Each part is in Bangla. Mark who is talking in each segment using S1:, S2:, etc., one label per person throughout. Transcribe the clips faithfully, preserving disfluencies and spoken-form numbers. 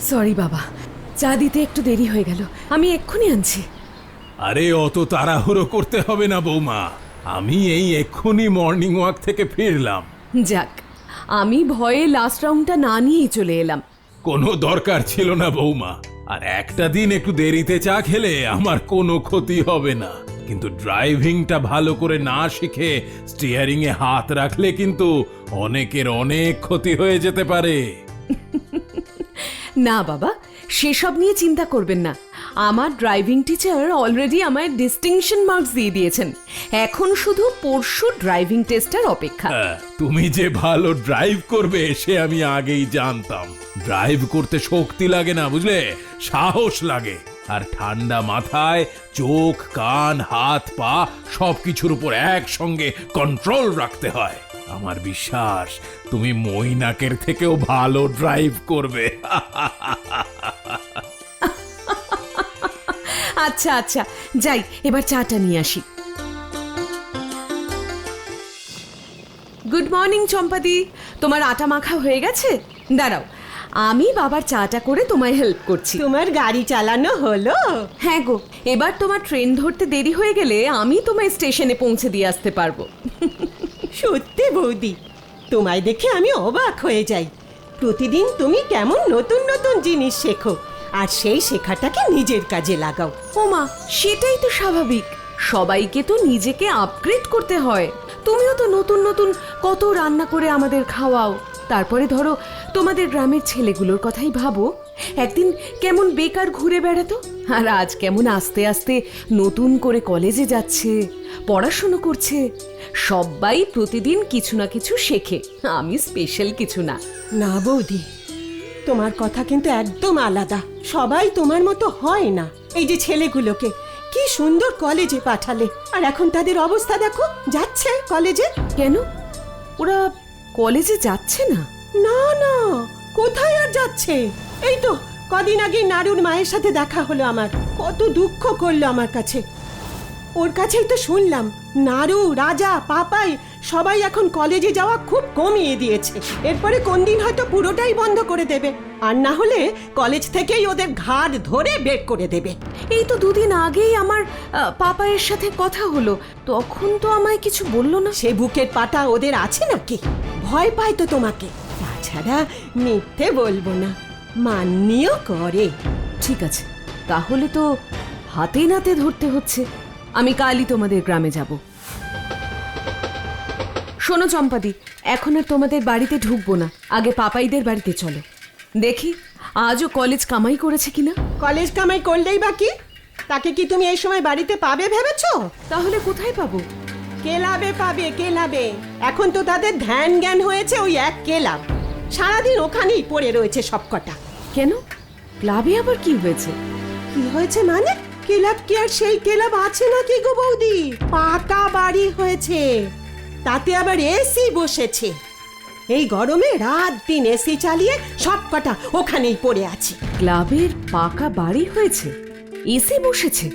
S1: সরি বাবা, চা দিতে একটু দেরি হয়ে গেল, আমি এক্ষুনি আনছি।
S2: আরে অত তাড়াহুড়ো করতে হবে না বৌমা, আমি এই এক্ষুনি মর্নিং ওয়াক থেকে ফিরলাম।
S1: যাক, আমি ভয়ে লাস্ট রাউন্ডটা না নিয়েই চলে এলাম।
S2: কোনো দরকার ছিল না বৌমা, আর একটা দিন একটু দেরিতে চা খেলে আমার কোনো ক্ষতি হবে না, কিন্তু ড্রাইভিংটা ভালো করে না শিখে স্টিয়ারিং এ হাত রাখলে কিন্তু অনেকের অনেক ক্ষতি হয়ে যেতে পারে।
S1: না বাবা, সেসব নিয়ে চিন্তা করবেন না, আমার ড্রাইভিং টিচার অলরেডি আমায় ডিস্টিংশন মার্কস দিয়ে দিয়েছেন, এখন শুধু পরশু ড্রাইভিং টেস্টের অপেক্ষা।
S2: হ্যাঁ, তুমি যে ভালো ড্রাইভ করবে সে আমি আগেই জানতাম। ড্রাইভ করতে শক্তি লাগে না বুঝলে, সাহস লাগে, আর ঠান্ডা মাথায় চোখ কান হাত পা সবকিছুর উপর একসঙ্গে কন্ট্রোল রাখতে হয়। আমার বিশ্বাস তুমি মৈনাকের থেকেও ভালো ড্রাইভ করবে।
S1: আচ্ছা আচ্ছা, যাই এবার চাটা নিয়ে আসি। গুড মর্নিং চম্পাদি, তোমার আটা মাখা হয়ে গেছে? দাঁড়াও, আমি বাবার চাটা করে তোমায় হেল্প করছি।
S3: তোমার গাড়ি চালানো হলো?
S1: হ্যাঁ গো, এবার তোমার ট্রেন ধরতে দেরি হয়ে গেলে আমি তোমায় স্টেশনে পৌঁছে দিয়ে আসতে পারবো।
S3: সত্যি বৌদি, তোমায় দেখে আমি অবাক হয়ে যাই। প্রতিদিন তুমি কেমন নতুন নতুন জিনিস শেখো, আর সেই শেখাটাকে নিজের কাজে লাগাও।
S1: ওমা, সেটাই তো স্বাভাবিক, সবাইকে তো নিজেকে আপগ্রেড করতে হয়। তুমিও তো নতুন নতুন কত রান্না করে আমাদের খাওয়াও। তারপরে ধরো, তোমাদের গ্রামের ছেলেগুলোর কথাই ভাবো, একদিন কেমন বেকার ঘুরে বেড়াতো, আর আজ কেমন আস্তে আস্তে নতুন করে কলেজে যাচ্ছে, পড়াশুনো করছে। সবাই প্রতিদিন কিছু না কিছু শেখে, আমি স্পেশাল কিছু না।
S3: না বৌদি, তোমার কথা কিন্তু একদম আলাদা। সবাই তোমার মতো হয় না। এই যে ছেলেগুলোকে কি সুন্দর কলেজে পাঠালে, আর এখন তাদের অবস্থা দেখো, যাচ্ছে কলেজে।
S1: কেন, ওরা কলেজে যাচ্ছে না?
S3: না না, কোথায় আর যাচ্ছে? এই তো কদিন আগে নারুর মায়ের সাথে দেখা হলো আমার, কত দুঃখ করলো আমার কাছে। ওর কাছেই তো শুনলাম নারু, রাজা, পাপাই সবাই এখন কলেজে যাওয়া খুব কমিয়ে দিয়েছে। এরপরে কোন দিন হয়তো পুরোটাই বন্ধ করে দেবে, আর না হলে কলেজ থেকেই ওদের ঘাড় ধরে বের করে দেবে।
S1: এই তো দুদিন আগেই আমার আহ, পাপায়ের সাথে কথা হলো, তখন তো আমায় কিছু বললো না।
S3: সে বুকের পাটা ওদের আছে নাকি? ভয় পায় তো তোমাকে। তাছাড়া মিথ্যে বলবো না, মান্যও করে।
S1: ঠিক আছে, তাহলে তো হাতে নাতে ধরতে হচ্ছে। আমি কালই তোমাদের গ্রামে যাব। শোনো চম্পাদি, এখন আর তোমাদের বাড়িতে ঢুকবো না, আগে পাপাইদের বাড়িতে চলো, দেখি আজও কলেজ কামাই করেছে কিনা।
S3: কলেজ কামাই করলেই বাকি, তাকে কি তুমি এই সময় বাড়িতে পাবে ভেবেছো?
S1: তাহলে কোথায় পাবো?
S3: কেলাবে পাবে, কেলাবে। এখন তো তাদের ধ্যান জ্ঞান হয়েছে ওই এক কেলাব, সারাদিন ওখানেই পড়ে রয়েছে সবকটা।
S1: কেন, ক্লাবে আবার কি হয়েছে?
S3: কি হয়েছে মানে? কেলাব কি আর সেই কেলাব আছে নাকি গো বৌদি? পাকা বাড়ি হয়েছে, তাতে আবার এসি বসেছে। এই গরমে রাত দিন এসি চালিয়ে সবকটা ওখানেই পড়ে আছে।
S1: ক্লাবের পাকা বাড়ি হয়েছে, এসি বসেছে?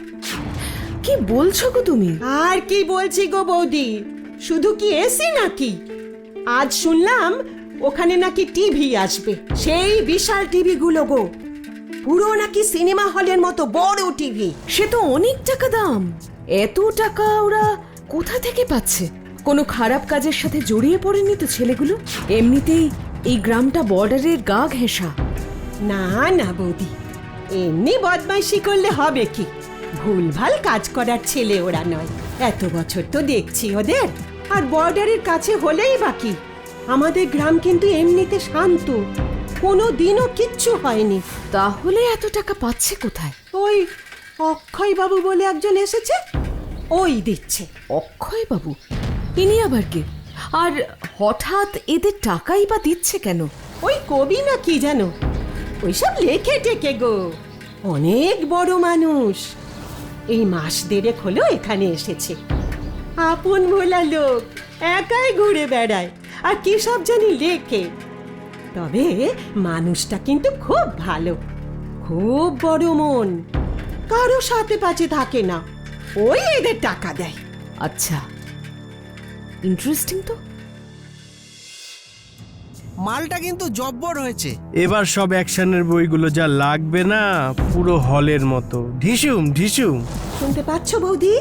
S1: কি বলছো গো তুমি?
S3: আর কি বলছি গো বৌদি, শুধু কি এসি নাকি, আজ শুনলাম ওখানে নাকি টিভি আসবে, সেই বিশাল টিভি গুলো গো, পুরো নাকি সিনেমা হলের মতো বড় টিভি।
S1: সে তো অনেক টাকা দাম। এত টাকা ওরা কোথা থেকে পাচ্ছে? কোনো খারাপ কাজের সাথে জড়িয়ে পড়েনি তো ছেলেগুলো? এমনিতেই এই গ্রামটা বর্ডারের গা ঘেঁষা।
S3: না না বৌদি, এমনি বদমাইশি করলে হবে কি, ভুলভাল কাজ করার ছেলে ওরা নয়। এত বছর তো দেখছি ওদের, আর বর্ডারের কাছে হলেই বাকি। আমাদের গ্রাম কিন্তু এমনিতে শান্ত, কোনো দিনও কিচ্ছু হয়নি।
S1: তাহলে এত টাকা পাচ্ছে কোথায়?
S3: ওই অক্ষয় বাবু বলে একজন এসেছে, ওই দিচ্ছে।
S1: অক্ষয় বাবু? ইনি আবার কে? আর হঠাৎ এদের টাকাই বা দিচ্ছে কেন?
S3: ওই কবি না কি জানো, ওইসব লেখে টেকে গো, অনেক বড় মানুষ। এই মাস দেড়েক হলো এখানে এসেছে, আপন ভোলা লোক, একাই ঘুরে বেড়ায়, আর কি সব জানি লেখে। তবে মানুষটা কিন্তু খুব ভালো, খুব বড় মন, কারো সাথে পাচে থাকে না, ওই এদের টাকা দেয়।
S1: আচ্ছা, ইন্টারেস্টিং তো।
S4: মালটা কিন্তু জব্বর হয়েছে।
S5: এবার সব অ্যাকশনের বইগুলো যা লাগবে না, পুরো হলের মতো ঢিসুম ঢিসুম।
S3: শুনতে পাচ্ছ বৌদি?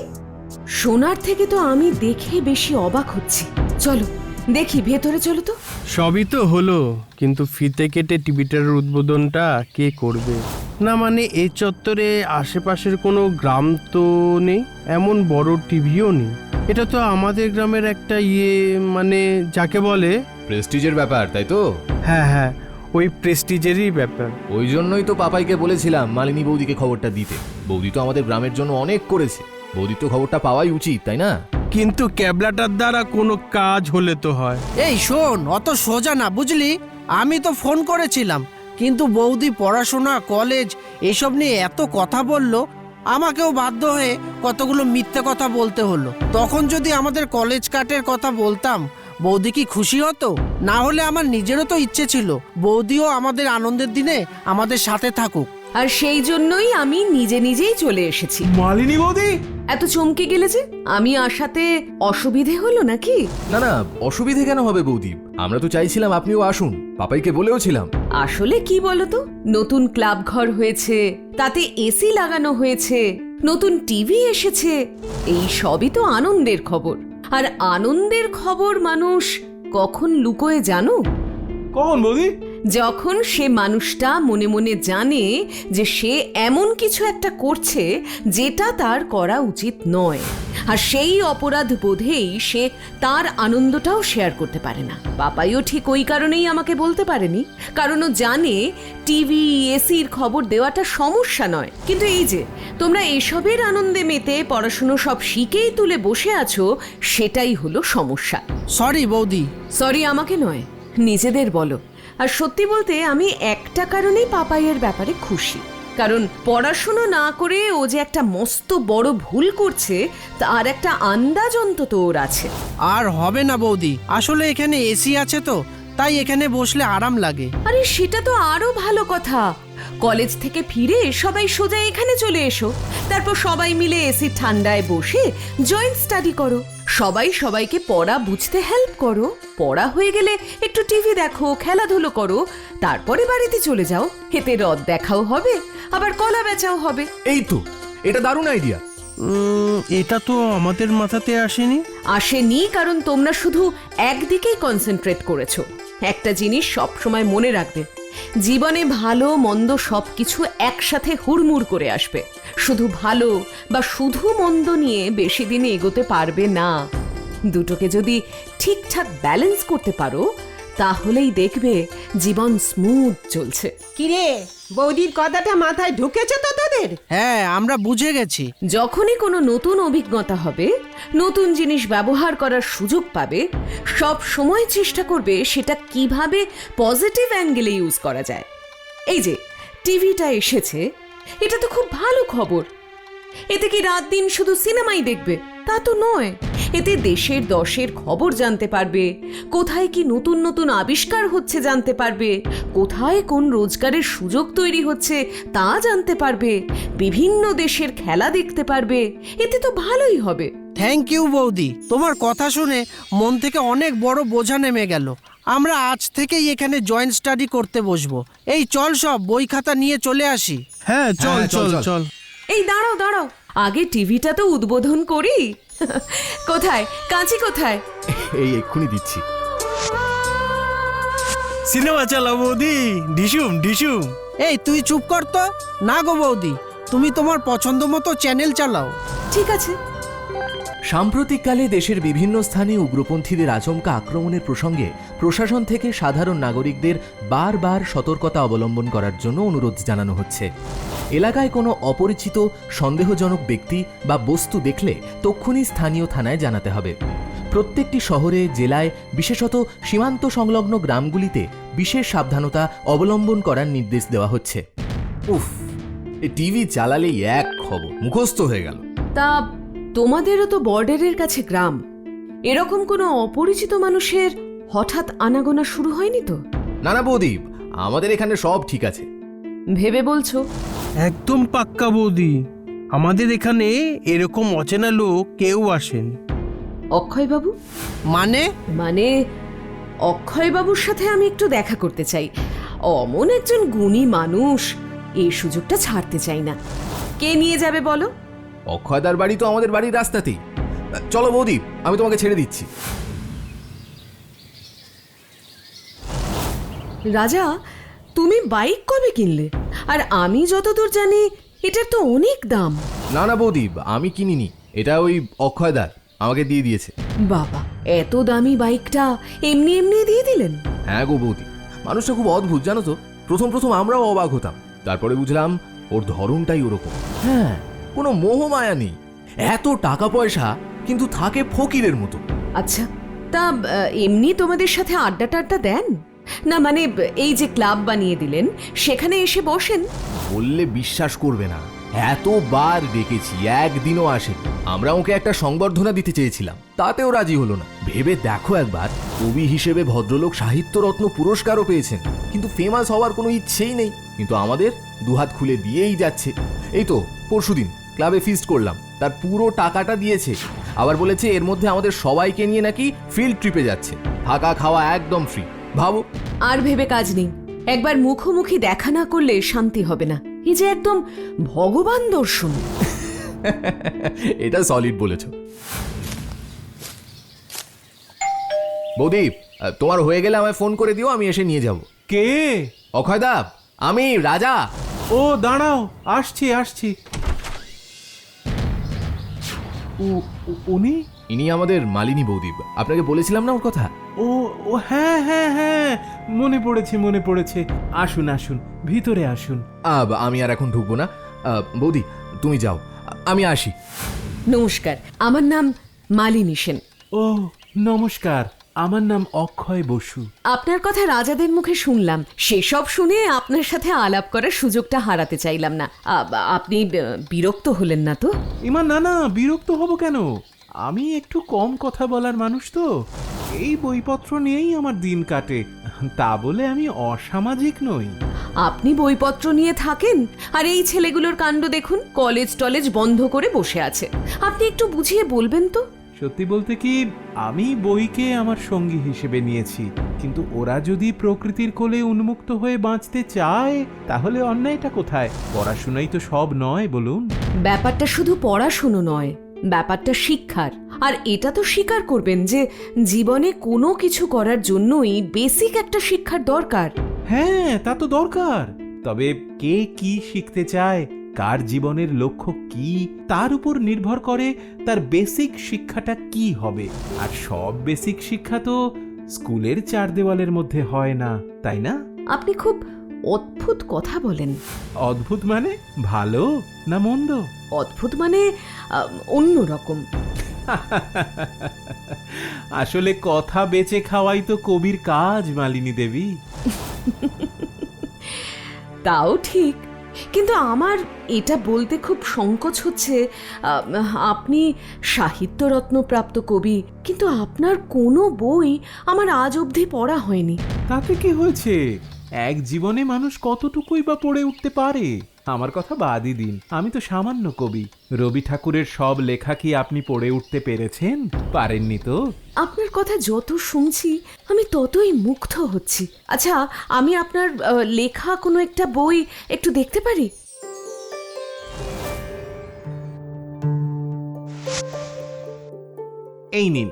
S1: সোনার থেকে তো আমি দেখে বেশি অবাক হচ্ছি। চলো দেখি, ভেতরে চলো তো।
S5: সবই তো হলো, কিন্তু ফিতে কেটে টিভিটার উদ্বোধনটা কে করবে? না মানে এই চত্বরে আশেপাশের কোনো গ্রাম তো নেই, এমন বড় টিভিও নেই। এটা তো আমাদের গ্রামের একটা ইয়ে, মানে যাকে বলে
S6: প্রেস্টিজের ব্যাপার, তাই তো?
S5: হ্যাঁ হ্যাঁ, ওই প্রেস্টিজেরই ব্যাপার।
S6: ওই জন্যই তো পাপাইকে বলেছিলাম মালিনী বৌদিকে খবরটা দিতে। বৌদি তো আমাদের গ্রামের জন্য অনেক করেছে, বৌদি তো খবরটা পাওয়াই উচিত, তাই না?
S5: কিন্তু ক্যাবলাটার দ্বারা কোনো কাজ হলে তো হয়।
S4: এই শোন, অত সোজা না বুঝলি। আমি তো ফোন করেছিলাম, কিন্তু বৌদি পড়াশোনা, কলেজ এসব নিয়ে এত কথা বলল, আমাকেও বাধ্য হয়ে কতগুলো মিথ্যে কথা বলতে হলো। তখন যদি আমাদের কলেজ কাটের কথা বলতাম, বৌদি কি খুশি হতো? না হলে আমার নিজেরও তো ইচ্ছে ছিল বৌদিও আমাদের আনন্দের দিনে আমাদের সাথে থাকুক।
S1: আর সেই জন্যই আমি নিজে নিজেই চলে এসেছি।
S2: মালিনী বৌদি?
S1: এত চমকে গেলে যে, আমি আসাতে অসুবিধে হলো নাকি?
S6: না না, অসুবিধে কেন হবে বৌদি? আমরা তো চাইছিলাম আপনিও আসুন, পাপাইকে বলেও ছিলাম।
S1: আসলে কি বলতো, নতুন ক্লাব ঘর হয়েছে, তাতে এসি লাগানো হয়েছে, নতুন টিভি এসেছে, এই সবই তো আনন্দের খবর। আর আনন্দের খবর মানুষ কখন লুকোয় জানো?
S2: কখন বৌদি?
S1: যখন সে মানুষটা মনে মনে জানে যে সে এমন কিছু একটা করছে যেটা তার করা উচিত নয়, আর সেই অপরাধ বোধেই সে তার আনন্দটাও শেয়ার করতে পারে না। পাপাইও ঠিক ওই কারণেই আমাকে বলতে পারেনি, কারণ ও জানে টিভি এসির খবর দেওয়াটা সমস্যা নয়। কিন্তু এই যে তোমরা এসবের আনন্দে মেতে পড়াশুনো সব শিখেই তুলে বসে আছো, সেটাই হলো সমস্যা।
S4: সরি বৌদি।
S1: সরি আমাকে নয়, নিজেদের বলো। আর সত্যি বলতে আমি একটা কারণেই পাপাইয়ের ব্যাপারে খুশি, কারণ পড়াশুনো না করে ও যে একটা মস্ত বড় ভুল করছে তার একটা আন্দাজ অন্তত ওর আছে।
S4: আর হবে না বৌদি, আসলে এখানে এসি আছে তো, তাই এখানে বসলে আরাম লাগে।
S1: আরে সেটা তো আরো ভালো কথা। কলেজ থেকে ফিরে সবাই সোজা এখানে চলে এসো, তারপর সবাই মিলে এসি ঠান্ডায় বসে জয়েন্ট স্টাডি করো, সবাই সবাইকে পড়া বুঝতে হেল্প করো, পড়া হয়ে গেলে একটু টিভি দেখো, খেলাধুলো করো, তারপরে বাড়িতে চলে যাও। এতে রদ দেখাও হবে, আবার কলা বেচাও হবে।
S6: এই তো, এটা দারুণ আইডিয়া।
S5: উম, এটা তো আমাদের মাথাতে আসেনি।
S1: আসেনি কারণ তোমরা শুধু একদিকেই কনসেন্ট্রেট করেছো। একটা জিনিস সব সময় মনে রাখবে, জীবনে ভালো মন্দ সবকিছু একসাথে হুড়মুড় করে আসবে। শুধু ভালো বা শুধু মন্দ নিয়ে বেশি দিন এগোতে পারবে না। দুটোকে যদি ঠিকঠাক ব্যালেন্স করতে পারো, তাহলেই দেখবে জীবন স্মুথ চলছে।
S3: কিরে, বৌদির কথাটা মাথায় ঢুকেছে তো তোদের?
S4: হ্যাঁ, আমরা বুঝে গেছি।
S1: যখনই কোনো নতুন অভিজ্ঞতা হবে, নতুন জিনিস ব্যবহার করার সুযোগ পাবে, সব সময় চেষ্টা করবে সেটা কিভাবে পজিটিভ অ্যাঙ্গেলে ইউজ করা যায়। এই যে টিভিটা এসেছে, এটা তো খুব ভালো খবর। এতে কি রাত দিন শুধু সিনেমাই দেখবে তা তো নয়, এতে দেশের দশের খবর জানতে পারবে, কোথায় কি নতুন নতুন আবিষ্কার হচ্ছে জানতে পারবে, কোথায় কোন রোজগারের সুযোগ তৈরি হচ্ছে তা জানতে পারবে, বিভিন্ন দেশের খেলা দেখতে পারবে। এতে তো ভালোই হবে।
S4: থ্যাংক ইউ বৌদি, তোমার কথা শুনে মন থেকে অনেক বড় বোঝা নেমে গেল। আমরা আজ থেকেই এখানে জয়েন্ট স্টাডি করতে বসবো। এই চল, সব বই খাতা নিয়ে চলে আসি।
S5: হ্যাঁ চল
S6: হ্যাঁ, চল,
S5: চল
S6: চল।
S5: চল।
S1: এই দাঁড়াও দাঁড়াও, আগে টিভিটা তো উদ্বোধন করি। কোথায় কাঁচি, কোথায়?
S6: এই এক্ষুনি দিচ্ছি।
S5: সিনেমা চালাও বৌদি, ঢিসুম ঢিসুম।
S4: এই তুই চুপ কর তো। না গো বৌদি, তুমি তোমার পছন্দ মতো চ্যানেল চালাও।
S1: ঠিক আছে।
S6: সাম্প্রতিককালে দেশের বিভিন্ন স্থানে উগ্রপন্থীদের আচমকা আক্রমণের প্রসঙ্গে প্রশাসন থেকে সাধারণ নাগরিকদের বারবার সতর্কতা অবলম্বন করার জন্য অনুরোধ জানানো হচ্ছে। এলাকায় কোনো অপরিচিত সন্দেহজনক ব্যক্তি বা বস্তু দেখলে তক্ষুনি স্থানীয় থানায় জানাতে হবে। প্রত্যেকটি শহরে, জেলায়, বিশেষত সীমান্ত সংলগ্ন গ্রামগুলিতে বিশেষ সাবধানতা অবলম্বন করার নির্দেশ দেওয়া হচ্ছে। উফ, এই টিভি চালালেই এক খবর মুখস্থ হয়ে গেল।
S1: তা তোমাদেরও তো বর্ডারের কাছে গ্রাম, এরকম কোনো অপরিচিত মানুষের হঠাৎ আনাগোনা শুরু হয়নি তো?
S6: না না বৌদি, আমাদের এখানে সব ঠিক আছে।
S1: ভেবে বলছো?
S5: একদম পাক্কা বৌদি, আমাদের এখানে এরকম অচেনা লোক কেউ আসেন।
S1: অক্ষয় বাবু?
S4: মানে?
S1: মানে অক্ষয়বাবুর সাথে আমি একটু দেখা করতে চাই। অমন একজন গুণী মানুষ, এই সুযোগটা ছাড়তে চাই না। কে নিয়ে যাবে বলো?
S6: অক্ষয়দার বাড়ি তো আমাদের বাড়ির রাস্তাতেই। চলো বৌদি, আমি তোমাকে ছেড়ে দিচ্ছি।
S1: রাজা, তুমি বাইক কবে কিনলে? আর আমি যতদূর জানি এটার তো অনেক দাম।
S6: না না বৌদি, আমি কিনিনি, এটা ওই অক্ষয়দার আমাকে দিয়ে দিয়েছে।
S1: বাবা, এত দামি বাইকটা এমনি এমনি দিয়ে দিলেন?
S6: হ্যাঁ গো বৌদি, মানুষটা খুব অদ্ভুত জানো তো। প্রথম প্রথম আমরাও অবাক হতাম, তারপরে বুঝলাম ওর ধরনটাই ওরকম। হ্যাঁ, কোনো মোহমায়া নেই, এত টাকা পয়সা কিন্তু থাকে ফকিরের মতো।
S1: আচ্ছা, তা আহ, এমনি তোমাদের সাথে আড্ডা টাড্ডা দেন না? মানে এই যে ক্লাব বানিয়ে দিলেন, সেখানে এসে বসেন?
S6: বললে বিশ্বাস করবে না, এতবার ডেকেছি, একদিনও আসে। আমরা ওকে একটা সংবর্ধনা দিতে চেয়েছিলাম, তাতেও রাজি হলো না। ভেবে দেখো একবার, কবি হিসেবে ভদ্রলোক সাহিত্যরত্ন পুরস্কারও পেয়েছেন, কিন্তু ফেমাস হওয়ার কোনো ইচ্ছেই নেই। কিন্তু আমাদের দুহাত খুলে দিয়েই যাচ্ছে। এই তো পরশুদিন ক্লাবে ফিস্ট করলাম, তার পুরো টাকাটা দিয়েছে। আবার বলেছে এর মধ্যে আমাদের সবাইকে নিয়ে নাকি ফিল্ড ট্রিপে যাচ্ছে, থাকা খাওয়া একদম ফ্রি। ভাবো।
S1: আর ভেবে কাজ নেই, একবার মুখোমুখি দেখা না করলে শান্তি হবে না। এই যে একদম ভগবান দর্শন।
S6: এটা সলিড বলেছ বৌদি। তোমার হয়ে গেলে আমায় ফোন করে দিও, আমি এসে নিয়ে যাব।
S2: কে?
S6: অক্ষয়দা, আমি রাজা।
S2: ও দাঁড়াও, আসছি আসছি। উ- উ- উনি?
S6: ইনি আমাদের মালিনী বৌদি, আপনাকে বলেছিলাম না ওর কথা।
S2: ও ও হ্যাঁ হ্যাঁ হ্যাঁ, মনে পড়েছে মনে পড়েছে। আসুন আসুন, ভিতরে আসুন।
S6: আব, আমি আর এখন ঢুকবো না। আহ, বৌদি তুমি যাও, আমি আসি।
S1: নমস্কার, আমার নাম মালিনী সেন।
S2: ও নমস্কার, আমার নাম অক্ষয় বসু।
S1: আপনার কথা রাজাদের মুখে শুনলাম, সেসব শুনে আপনার সাথে আলাপ করার সুযোগটা হারাতে চাইলাম না। আ- আপনি আহ, বিরক্ত হলেন না তো?
S2: ইমা না না, বিরক্ত হব কেন? আমি একটু কম কথা বলার মানুষ তো, এই বইপত্র নিয়েই আমার দিন কাটে। তা বলে আমি অসামাজিক নই।
S1: আপনি বইপত্র নিয়ে থাকেন, আর এই ছেলেগুলোর কাণ্ড দেখুন, কলেজ টলেজ বন্ধ করে বসে আছে। আপনি একটু বুঝিয়ে বলবেন তো?
S2: সত্যি বলতে কি, আমি বইকে আমার সঙ্গী হিসেবে নিয়েছি, কিন্তু ওরা যদি প্রকৃতির কোলে উন্মুক্ত হয়ে বাঁচতে চায়, তাহলে অন্যায়টা কোথায়? পড়াশোনাই তো সব নয়, বলুন।
S1: ব্যাপারটা শুধু পড়াশুনো নয়, ব্যাপারটা শিক্ষার। আর এটা তো স্বীকার করবেন যে জীবনে কোনো কিছু করার জন্যই বেসিক একটা শিক্ষার দরকার।
S2: হ্যাঁ, তা তো দরকার। তবে কে কি শিখতে চায়, কার জীবনের লক্ষ্য কি, তার উপর নির্ভর করে তার বেসিক শিক্ষাটা কি হবে। আর সব বেসিক শিক্ষা তো স্কুলের চার দেওয়ালের মধ্যে হয় না, তাই না?
S1: আপনি খুব অদ্ভুত কথা বলেন।
S2: অদ্ভুত মানে ভালো না মন্দ?
S1: অদ্ভুত মানে অন্যরকম।
S2: আসলে কথা বেচে খাওয়াই তো কবির কাজ, মালিনী দেবী।
S1: তাও ঠিক, কিন্তু আমার এটা বলতে খুব সংকোচ হচ্ছে। আহ, আপনি সাহিত্যরত্নপ্রাপ্ত কবি, কিন্তু আপনার কোনো বই আমার আজ অবধি পড়া হয়নি।
S2: তাতে কি হয়েছে? এক জীবনে মানুষ কতটুকুই বা পড়ে উঠতে পারে? আমার কথা বাদই দিন, আমি তো সামান্য কবি। রবি ঠাকুরের সব লেখা কি আপনি পড়ে উঠতে পেরেছেন? পারেননি তো।
S1: আপনার কথা যত শুনছি আমি ততই মুগ্ধ হচ্ছি। আচ্ছা, আমি আপনার আহ, লেখা কোনো একটা বই একটু দেখতে পারি?
S2: এই নিন।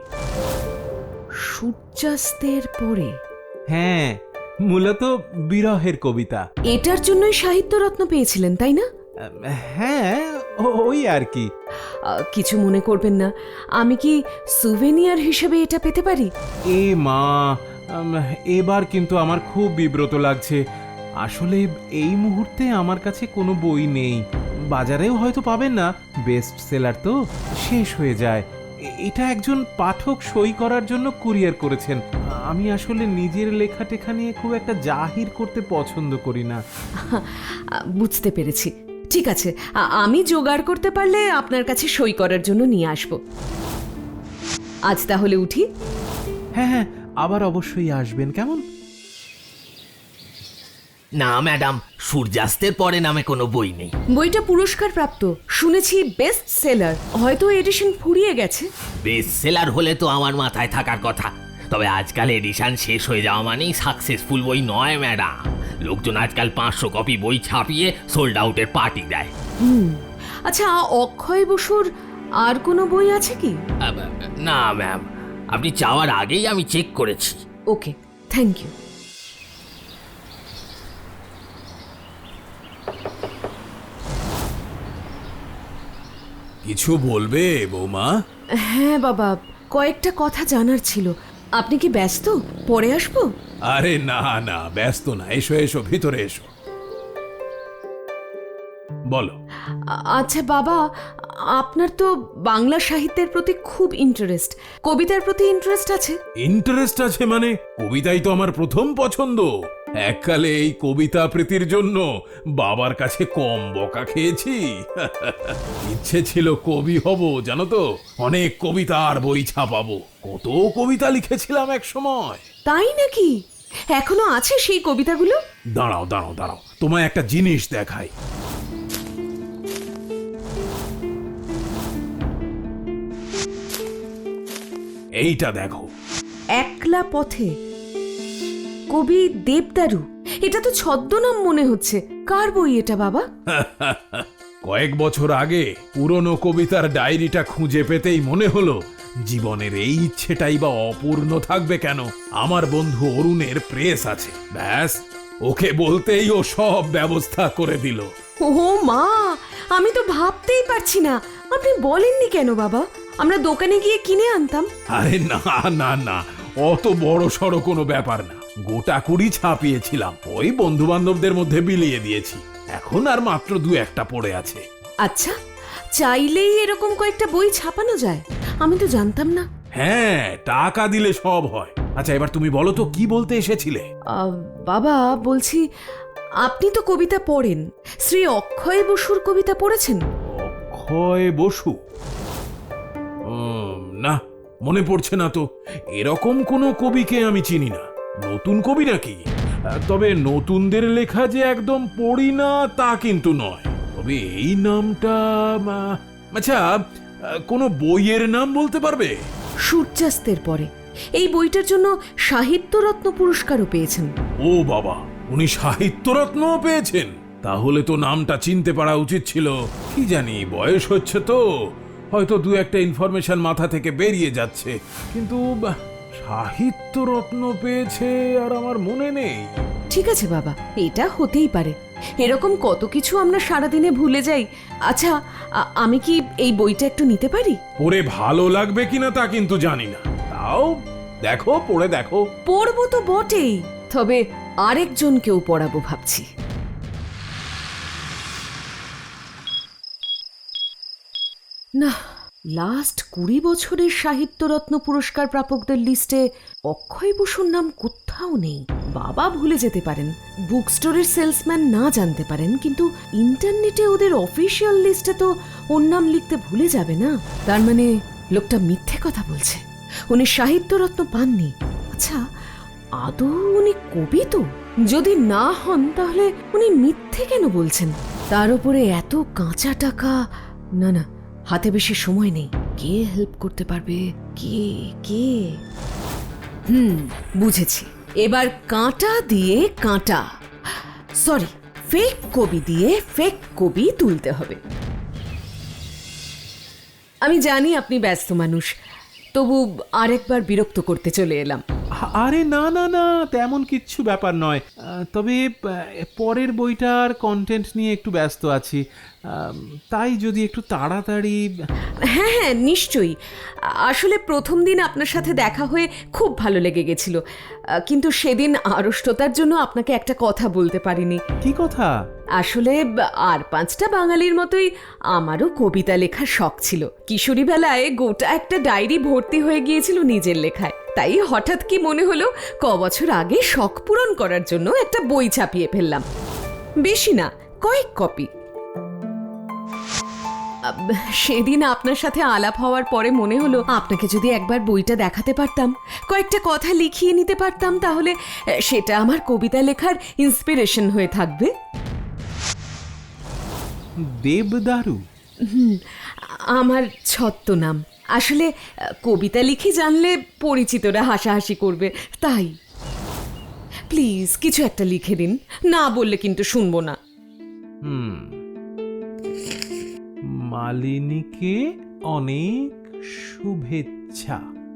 S1: সূর্যাস্তের পরে?
S2: হ্যাঁ, মূলত বিরহের কবিতা।
S1: এটার জন্যই সাহিত্যরত্ন পেয়েছিলেন, তাই না?
S2: হ্যাঁ, ও- ওই আর কি।
S1: আহ, কিছু মনে করবেন না, আমি কি সুভেনিয়ার হিসেবে এটা পেতে পারি?
S2: এ মা, উম, এবার কিন্তু আমার খুব বিব্রত লাগছে। আসলে এই মুহূর্তে আমার কাছে কোনো বই নেই, বাজারেও হয়তো পাবেন না। বেস্ট সেলার তো শেষ হয়ে যায়। এ- এটা একজন পাঠক সই করার জন্য কুরিয়ার করেছেন। আমি আসলে নিজের লেখা টেখা নিয়ে খুব একটা জাহির করতে পছন্দ করি না।
S1: আহ, বুঝতে পেরেছি। ঠিক আছে, আ- আমি জোগাড় করতে পারলে আপনার কাছে সই করার জন্য নিয়ে আসব। আজ তাহলে উঠি।
S2: হ্যাঁ হ্যাঁ, আবার অবশ্যই আসবেন, কেমন?
S7: না ম্যাডাম, সূর্যাস্তের পরে নামে কোনো বই নেই।
S1: বইটা পুরস্কার প্রাপ্ত, শুনেছি বেস্ট সেলার। হয়তো এডিশন ফুরিয়ে গেছে।
S7: বেস্ট সেলার হলে তো আমার মাথায় থাকার কথা। তবে আজকাল এডিশন শেষ হয়ে যাওয়া মানেই সাকসেসফুল বই নয় ম্যাডাম। লোকজন আজকাল পাঁচশো কপি বই ছাপিয়ে সোল্ড আউটের পার্টি দেয়।
S1: হুম আচ্ছা, অক্ষয় বসুর আর কোনো বই আছে কি?
S7: আব, না ম্যাম, আপনি যাওয়ার আগেই আমি চেক করেছি।
S1: Okay, thank you.
S2: কিছু বলবে বৌমা?
S1: হ্যাঁ বাবা, কয়েকটা কথা জানার ছিল। আপনি কি ব্যস্ত? পরে আসবো?
S2: আরে না না, ব্যস্ত না, এসো এসো, ভিতরে এসো, বলো।
S1: আ- আচ্ছা বাবা, আপনার তো বাংলা সাহিত্যের প্রতি খুব ইন্টারেস্ট, কবিতার প্রতি ইন্টারেস্ট আছে?
S2: ইন্টারেস্ট আছে মানে? কবিতাই তো আমার প্রথম পছন্দ। এককালে এই কবিতা প্রীতির জন্য বাবার কাছে কম বকা খেয়েছি। ইচ্ছে ছিল কবি হব, জানো তো, অনেক কবিতা আর বই ছাপাবো। কত কবিতা লিখেছিলাম এক সময়।
S1: তাই নাকি? এখনো আছে সেই কবিতাগুলো?
S2: দাঁড়াও দাঁড়াও দাঁড়াও, তোমায় একটা জিনিস দেখাই। এইটা দেখো।
S1: একলা পথে, কবি দেবদারু। এটা তো ছদ্মনাম মনে হচ্ছে। কার বই এটা বাবা?
S2: কয়েক বছর আগে পুরনো কবিতার ডায়েরিটা খুঁজে পেতেই মনে হলো জীবনের এই ইচ্ছেটাই বা অপূর্ণ থাকবে কেন। আমার বন্ধু অরুণের প্রেস আছে, ব্যাস ওকে বলতেই ও সব ব্যবস্থা করে দিল।
S1: ও মা, আমি তো ভাবতেই পারছি না। আপনি বলেননি কেন বাবা? আমরা দোকানে গিয়ে কিনে আনতাম।
S2: আরে না না না, অত বড় সড়ো কোনো ব্যাপার না। গোটা কুড়ি ছাপিয়েছিলাম, ওই বন্ধু বান্ধবদের মধ্যে বিলিয়ে দিয়েছি। এখন আর মাত্র দু একটা পড়ে আছে।
S1: আচ্ছা, চাইলেই এরকম কয়েকটা বই ছাপানো যায়? আমি তো জানতাম না।
S2: হ্যাঁ, টাকা দিলে সব হয়। আচ্ছা, এবার তুমি বলো তো, কি বলতে এসেছিলে?
S1: আহ, বাবা বলছি, আপনি তো কবিতা পড়েন। শ্রী অক্ষয় বসুর কবিতা পড়েছেন?
S2: অক্ষয় বসু? উম, না, মনে পড়ছে না তো। এরকম কোনো কবিকে আমি চিনি না। নতুন কবি নাকি? আহ, তবে নতুনদের লেখা যে একদম পড়ি না তা কিন্তু নয়। তবে এই নামটা, আহ, আচ্ছা, আহ, কোনো বইয়ের নাম বলতে পারবে?
S1: সূর্যাস্তের পরে। এই বইটার জন্য সাহিত্যরত্ন পুরস্কারও পেয়েছেন।
S2: ও বাবা, উনি সাহিত্যরত্নও পেয়েছেন? তাহলে তো নামটা চিনতে পারা উচিত ছিল। কি জানি, বয়স হচ্ছে তো, হয়তো দু একটা ইনফরমেশন মাথা থেকে বেরিয়ে যাচ্ছে। কিন্তু বাহ, সাহিত্যরত্ন পেয়েছে আর আমার মনে নেই।
S1: ঠিক আছে বাবা, এটা হতেই পারে। এরকম কত কিছু আমরা সারাদিনে ভুলে যাই। আচ্ছা, আ- আমি কি এই বইটা একটু নিতে পারি?
S2: পড়ে ভালো লাগবে কিনা তা কিন্তু জানি না। তাও দেখো, পড়ে দেখো।
S1: পড়বো তো বটেই, তবে আরেকজনকেও পড়াবো ভাবছি। না, লাস্ট কুড়ি বছরের সাহিত্যরত্ন পুরস্কার প্রাপকদের লিস্টে অক্ষয় বসুর নাম কোথাও নেই। বাবা ভুলে যেতে পারেন, বুক স্টোরের সেলসম্যান না জানতে পারেন, কিন্তু ইন্টারনেটে ওদের অফিসিয়াল লিস্টে তো ওর নাম লিখতে ভুলে যাবে না। তার মানে লোকটা মিথ্যে কথা বলছে, উনি সাহিত্যরত্ন পাননি। আচ্ছা, আদৌ উনি কবি তো? যদি না হন তাহলে উনি মিথ্যে কেন বলছেন? তার উপরে এত কাঁচা টাকা। না না, হাতে বেশি সময় নেই। কে হেল্প করতে পারবে? কে কে হুম, বুঝেছি। এবার কাঁটা দিয়ে কাঁটা, সরি, ফেক কবি দিয়ে ফেক কবি তুলতে হবে। আমি জানি আপনি ব্যস্ত মানুষ, তবু আরেকবার বিরক্ত করতে চলে এলাম।
S8: আরে না না না, তেমন কিচ্ছু ব্যাপার নয়। আহ, তবে আহ, পরের বইটার কন্টেন্ট নিয়ে একটু ব্যস্ত আছি। আম, তাই যদি একটু তাড়াতাড়ি।
S1: হ্যাঁ হ্যাঁ, নিশ্চয়ই। আসলে প্রথম দিন আপনার সাথে দেখা হয়ে খুব ভালো লেগে গেছিল, কিন্তু সেদিন আড়ষ্টতার জন্য আপনাকে একটা কথা বলতে পারিনি।
S8: কি কথা?
S1: আসলে আর পাঁচটা বাঙালির মতোই আমারও কবিতা লেখার শখ ছিল। কিশোরী বেলায় গোটা একটা ডায়েরি ভর্তি হয়ে গিয়েছিল নিজের লেখায়। তাই হঠাৎ কি মনে হলো, ক বছর আগে শখ পূরণ করার জন্য একটা বই ছাপিয়ে ফেললাম। বেশি না, কয়েক কপি। সেদিন আপনার সাথে আলাপ হওয়ার পরে মনে হলো, আপনাকে যদি একবার বইটা দেখাতে পারতাম, কয়েকটা কথা লিখিয়ে নিতে পারতাম, তাহলে সেটা আমার কবিতা লেখার ইন্সপিরেশন হয়ে থাকবে।
S8: দেবদারু?
S1: হুম, আমার ছদ্মনাম। আসলে আহ, কবিতা লিখে জানলে পরিচিতরা হাসাহাসি করবে, তাই প্লিজ কিছু একটা লিখে দিন, না বললে কিন্তু শুনবো না।
S8: হুম মালিনীকে অনেক শুভেচ্ছা।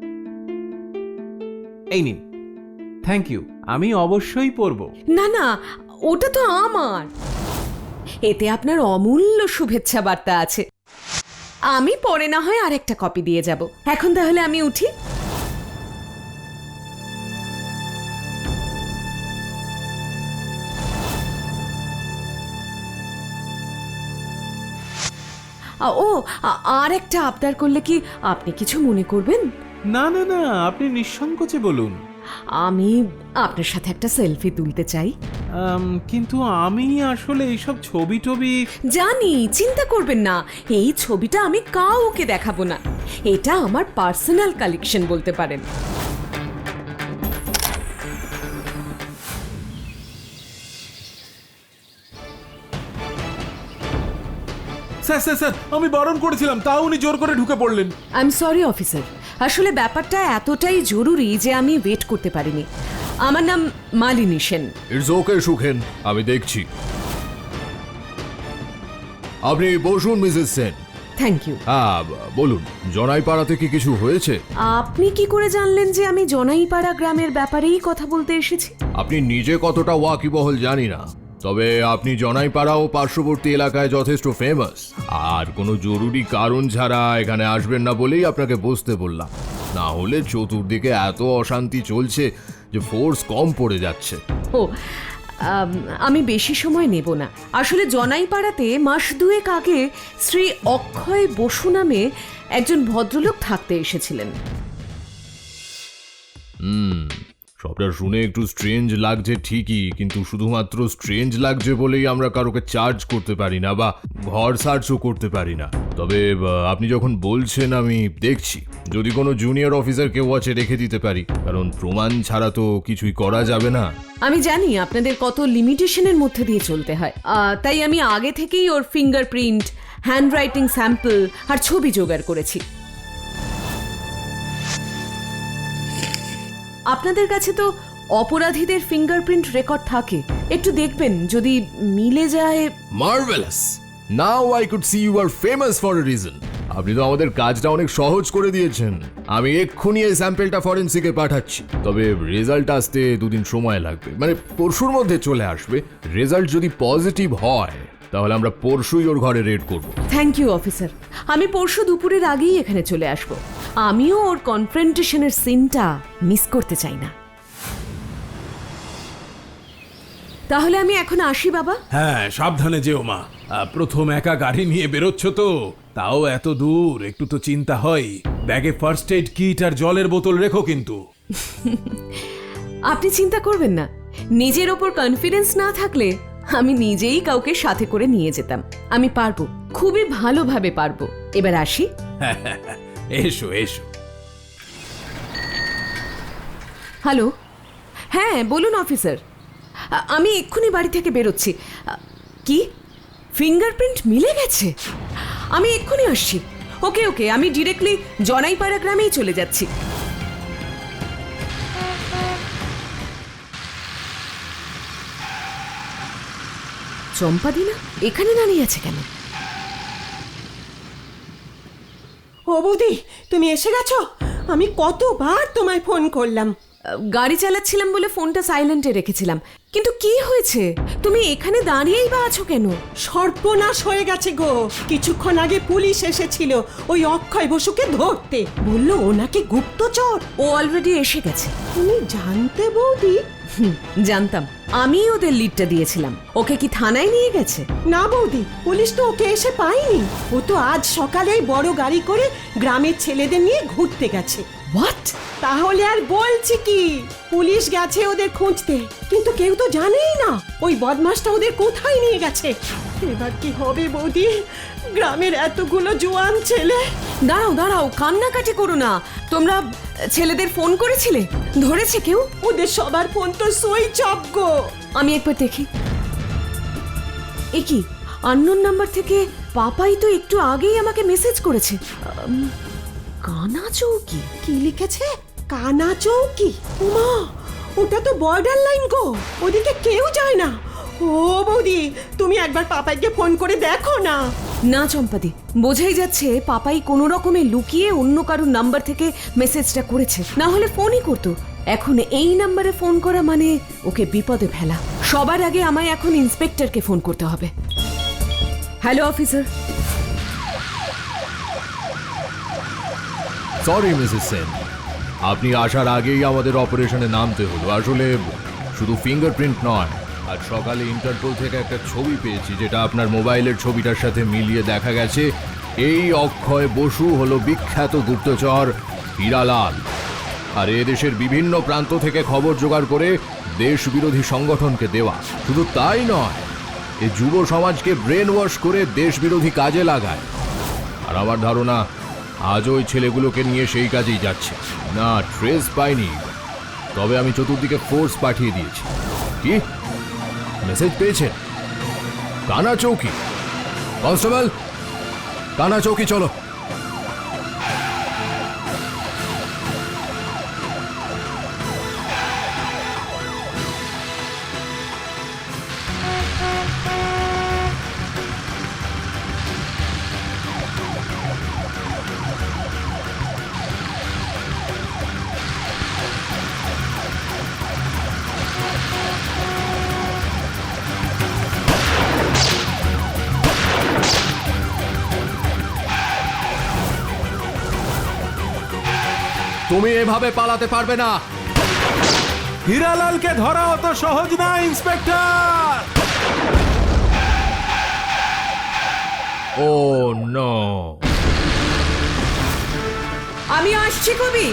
S8: এই নিন, থ্যাংক ইউ, আমি অবশ্যই পড়ব।
S1: না না, ওটা তো আমার, এতে আপনার অমূল্য শুভেচ্ছা বার্তা আছে। আমি পরে না হয় আরেকটা কপি দিয়ে যাব। এখন তাহলে আমি উঠি। আ, ও আ- আর একটা আবদার করলে কি আপনি কিছু মনে করবেন?
S8: না না না, আপনি নিঃসংকোচে বলুন।
S1: আমি আপনার সাথে একটা সেলফি তুলতে চাই।
S8: আম, কিন্তু আমি আসলে এইসব ছবি টবি।
S1: জানি, চিন্তা করবেন না, এই ছবিটা আমি কাউকে দেখাবো না। এটা আমার পার্সোনাল কালেকশন বলতে পারেন।
S2: স্যার স্যার স্যার আমি বারণ করেছিলাম, তাও উনি জোর করে ঢুকে পড়লেন।
S1: আই এম সরি অফিসার, আসলে ব্যাপারটা এতটাই জরুরি যে আমি ওয়েট করতে পারিনি। আমার নাম মালিনী সেন।
S9: ইটস ওকে সুখেন, আমি দেখছি। আপনি বসুন মিসেস সেন।
S1: Thank you.
S9: হ্যাঁ বলুন, জনাইপাড়াতে কি কিছু হয়েছে?
S1: আপনি কি করে জানলেন যে আমি জনাইপাড়া গ্রামের ব্যাপারেই কথা বলতে এসেছি?
S9: আপনি নিজে কতটা ওয়াকিবহল জানি না, তবে আপনি জনাইপাড়া ও পার্শ্ববর্তী এলাকায় যথেষ্ট ফেমাস। আর কোনো জরুরি কারণ ছাড়া এখানে আসবেন না বলেই আপনাকে বসতে বললাম, না হলে চতুর্দিকে এত অশান্তি চলছে যে ফোর্স কম পড়ে যাচ্ছে।
S1: ও আম, আমি বেশি সময় নেব না। আসলে জনাইপাড়াতে মাস দুয়েক আগে শ্রী অক্ষয় বসু নামে একজন ভদ্রলোক থাকতে এসেছিলেন।
S9: হুম সবটা শুনে একটু স্ট্রেঞ্জ লাগছে ঠিকই, কিন্তু শুধুমাত্র স্ট্রেঞ্জ লাগছে বলেই আমরা কারোকে চার্জ করতে পারি না বা ঘর সার্চও করতে পারি না। তবে আহ, আপনি যখন বলছেন আমি দেখছি, যদি কোনো জুনিয়র অফিসার কেউ আছে রেখে দিতে পারি, কারণ প্রমাণ ছাড়া তো কিছুই করা যাবে না।
S1: আমি জানি আপনাদের কত লিমিটেশনের মধ্যে দিয়ে চলতে হয়, আহ, তাই আমি আগে থেকেই ওর ফিঙ্গারপ্রিন্ট, হ্যান্ডরাইটিং স্যাম্পল আর ছবি জোগাড় করেছি। আপনাদের কাছে তো অপরাধীদের ফিঙ্গারপ্রিন্ট রেকর্ড থাকে, একটু দেখবেন যদি মিলে যায়।
S9: Marvellous, now I could see you are famous for a reason. আপনি তো আমাদের কাজটা অনেক সহজ করে দিয়েছেন। আমি এক্ষুনি এই স্যাম্পলটা ফরেন্সিকে পাঠাচ্ছি, তবে রেজাল্ট আসতে দুদিন সময় লাগবে, মানে পরশুর মধ্যে চলে আসবে। রেজাল্ট যদি পজিটিভ হয় তাহলে আমরা পরশুই ওর ঘরে রেড করব।
S1: থ্যাংক ইউ অফিসার, আমি পরশু দুপুরের আগেই এখানে চলে আসব। আমিও ওর কনফ্রন্টেশনের সিনটা মিস করতে চাই না। তাহলে আমি এখন আসি বাবা।
S2: হ্যাঁ সাবধানে যেও মা, আহ, প্রথম একা গাড়ি নিয়ে বেরোচ্ছ তো, তাও এত দূর, একটু তো চিন্তা হয়। ব্যাগে ফার্স্ট এইড কিট আর জলের বোতল রেখো কিন্তু।
S1: আপনি চিন্তা করবেন না, নিজের ওপর কনফিডেন্স না থাকলে আমি নিজেই কাউকে সাথে করে নিয়ে যেতাম। আমি পারবো, খুবই ভালোভাবে পারবো। এবার আসি।
S2: এসো এসো।
S1: হ্যালো, হ্যাঁ বলুন অফিসার, আ- আমি এক্ষুনি বাড়ি থেকে বেরোচ্ছি। আ, কি ফিঙ্গারপ্রিন্ট মিলে গেছে? আমি এক্ষুনি আসছি। ওকে ওকে, আমি ডিরেক্টলি জনাইপাড়া গ্রামেই চলে যাচ্ছি। চম্পাদিনা এখানে দাঁড়িয়ে আছে কেন?
S3: ও বৌদি, তুমি এসে গেছো? আমি কতবার তোমায় ফোন করলাম।
S1: গাড়ি চালাচ্ছিলাম বলে ফোনটা সাইলেন্টে রেখেছিলাম, কিন্তু কি হয়েছে? তুমি এখানে দাঁড়িয়েই বা আছো কেন?
S3: সর্বনাশ হয়ে গেছে গো। কিছুক্ষণ আগে পুলিশ এসেছিল ওই অক্ষয় বসুকে ধরতে, বললো ওনাকে গুপ্তচর।
S1: ও অলরেডি এসে গেছে।
S3: তুমি জানতে বৌদি?
S1: হুম, জানতাম, আমি ওদের লিডটা দিয়েছিলাম। ওকে কি থানায় নিয়ে গেছে?
S3: না বৌদি, পুলিশ তো ওকে এসে পায়নি। ও তো আজ সকালেই বড় গাড়ি করে গ্রামের ছেলেদের নিয়ে ঘুরতে গেছে।
S1: হোয়াট?
S3: তাহলে আর বলছি কি, পুলিশ গেছে ওদের খুঁজতে, কিন্তু কেউ তো জানেই না ওই বদমাশটা ওদের কোথায় নিয়ে গেছে। এবার কি হবে বৌদি? গ্রামের এতগুলো জোয়ান ছেলে।
S1: দাঁড়াও দাঁড়াও, কান্নাকাটি করো না। তোমরা ছেলেদের ফোন করেছিলে? ধরেছে কেউ?
S3: ওদের সবার ফোন তো সুইচ অফ গো।
S1: আমি একবার দেখি। এ কি, আননোন নাম্বার থেকে পাপাই তো একটু আগেই আমাকে মেসেজ করেছে। আম, কানা চৌকি?
S3: কি লিখেছে? কানা চৌকি। উমা, ওটা তো বর্ডার লাইন গো, ওদিকে কেউ যায় না। ও বৌদি, তুমি একবার পাপাইকে ফোন করে দেখো না।
S1: না চম্পাদি, বোঝাই যাচ্ছে পাপাই কোনো রকমে লুকিয়ে অন্য কারোর নাম্বার থেকে মেসেজটা করেছে, না হলে ফোনই করতো। এখন এই নাম্বারে ফোন করা মানে ওকে বিপদে ফেলা। সবার আগে আমায় এখন ইন্সপেক্টরকে ফোন করতে হবে। Hello officer.
S9: Sorry Mrs Sen, আপনি আসার আগেই আমাদের অপারেশনে নামতে হলো। আসলে শুধু ফিঙ্গারপ্রিন্ট নয়, আজ সকালে ইন্টারপোল থেকে একটা ছবি পেয়েছি, যেটা আপনার মোবাইলের ছবিটার সাথে মিলিয়ে দেখা গেছে এই অক্ষয় বসু হলো বিখ্যাত গুপ্তচর হীরালাল। আর এ দেশের বিভিন্ন প্রান্ত থেকে খবর জোগাড় করে দেশ বিরোধী সংগঠনকে দেওয়া। শুধু তাই নয়, এ যুব সমাজকে ব্রেন ওয়াশ করে দেশ বিরোধী কাজে লাগায়। আর আমার ধারণা আজ ওই ছেলেগুলোকে নিয়ে সেই কাজেই যাচ্ছে। না ট্রেস পাইনি, তবে আমি চতুর্দিকে ফোর্স পাঠিয়ে দিয়েছি। কি মেসেজ পেয়েছেন? কানা চৌকি। কনস্টেবল, কানা চৌকি চলো। তুমি এভাবে পালাতে পারবে না।
S2: হীরালালকে ধরা অত সহজ না ইন্সপেক্টর।
S9: ও নো,
S1: আমি আসছি কবি।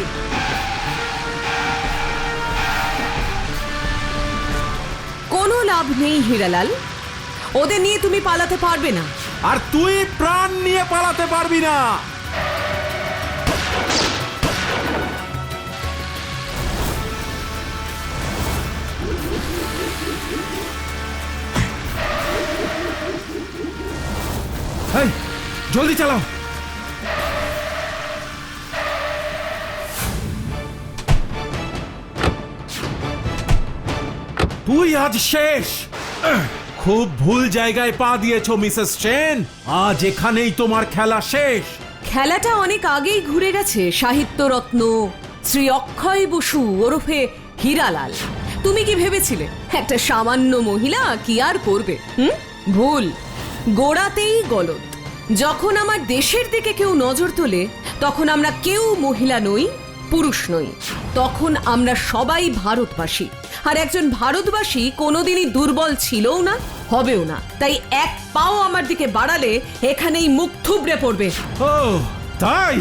S1: কোনো লাভ নেই হীরালাল, ওদের নিয়ে তুমি পালাতে পারবে না।
S2: আর তুই প্রাণ নিয়ে পালাতে পারবি না। এই, জলদি চালাও। তুই আজ শেষ। খুব ভুল জায়গায় পা দিয়েছো মিসেস সেন। আজ এখানেই তোমার খেলা শেষ।
S1: খেলাটা অনেক আগেই ঘুরে গেছে সাহিত্য রত্ন শ্রী অক্ষয় বসু ওরফে হীরালাল। তুমি কি ভেবেছিলে একটা সামান্য মহিলা কি আর করবে? হুম, ভুল। গোড়াতেই গলদ। যখন আমার দেশের দিকে কেউ নজর তোলে, তখন আমরা কেউ মহিলা নই, পুরুষ নই, তখন আমরা সবাই ভারতবাসী। আর একজন ভারতবাসী কোনোদিনই দুর্বল ছিলও না, হবেও না। তাই এক পাও আমার দিকে বাড়ালে এখানেই মুখ থুবড়ে পড়বে।
S2: ও তাই?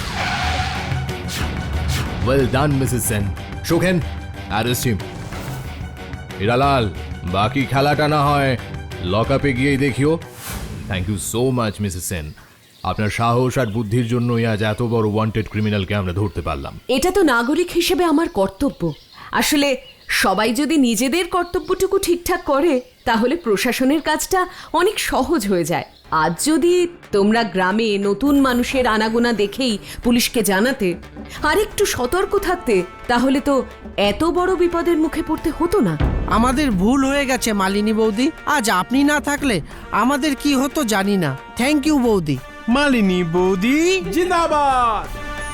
S9: Well done Mrs Sen. Sukhen, arrest him. Hiralal, বাকি খেলাটা না হয় লকআপে গিয়েই দেখিও। Thank you so much Mrs Sen. আপনার সাহস আর বুদ্ধির জন্যই আজ এত বড় ওয়ান্টেড ক্রিমিনালকে আমরা ধরতে পারলাম।
S1: এটা তো নাগরিক হিসেবে আমার কর্তব্য। আসলে সবাই যদি নিজেদের কর্তব্যটুকু ঠিকঠাক করে, তাহলে প্রশাসনের কাজটা অনেক সহজ হয়ে যায়। আজ যদি তোমরা গ্রামে নতুন মানুষের আনাগোনা দেখেই পুলিশকে জানাতে আর একটু সতর্ক থাকতে, তাহলে তো এত বড় বিপদের মুখে পড়তে হতো না।
S4: আমাদের ভুল হয়ে গেছে মালিনী বৌদি। আজ আপনি না থাকলে আমাদের কি হতো জানি না। থ্যাংক ইউ বৌদি।
S5: মালিনী বৌদি
S2: জিন্দাবাদ।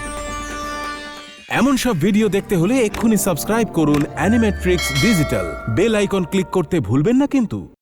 S2: এমন সব ভিডিও দেখতে হলে এক্ষুনি সাবস্ক্রাইব করুন animatrix digital. Bell icon click করতে ভুলবেন না কিন্তু।